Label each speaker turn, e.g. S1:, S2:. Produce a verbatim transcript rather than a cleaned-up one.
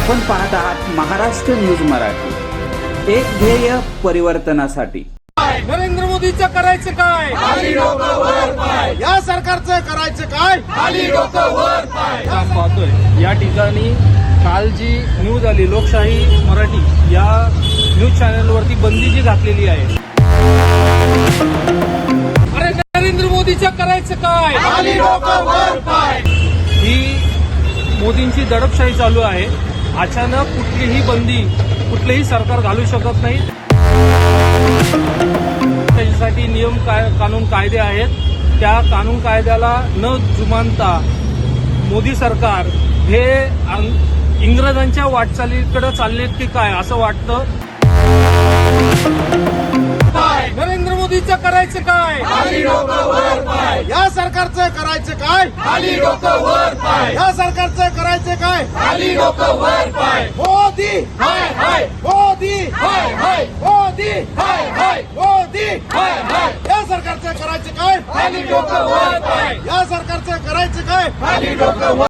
S1: आपण पाहत आहात महाराष्ट्र न्यूज मराठी, एक ध्येय परिवर्तनासाठी।
S2: नरेंद्र मोदीचं करायचं काय?
S3: खाली डोकं वर पाय।
S2: या सरकारचं करायचं काय?
S3: खाली डोकं वर पाय।
S2: आपण पाहतोय या ठिकाणी काल जी न्यूज आली लोकशाही मराठी या न्यूज चॅनलवरती बंदी जी घातलेली आहे। अरे नरेंद्र मोदीचं करायचं काय?
S3: खाली डोकं वर पाय।
S2: ही मोदींची दडपशाही चालू आहे। अचानक कुठलीही बंदी कुठलेही सरकार घालू शकत नाही। त्याच्यासाठी नियम कानून कायदे आहेत। त्या कानून कायद्याला न जुमानता मोदी सरकार हे इंग्रजांच्या वाटचालीकडे चाललेत की काय असं वाटतं। नरेंद्र मोदीचं करायचं काय?
S3: खाली डोकं वर पाय।
S2: या सरकारचं करायचं काय?
S3: खाली डोकं वर पाय।
S2: या सरकारचं करायचं काय?
S3: खाली डोकं वर पाय।
S2: मोदी
S3: हाय हाय
S2: मोदी
S3: हाय हाय
S2: मोदी
S3: हाय हाय
S2: मोदी
S3: हाय हाय।
S2: या सरकारचं करायचं काय?
S3: खाली डोकं वर पाय।
S2: या सरकारचं करायचं काय?
S3: खाली डोकं वर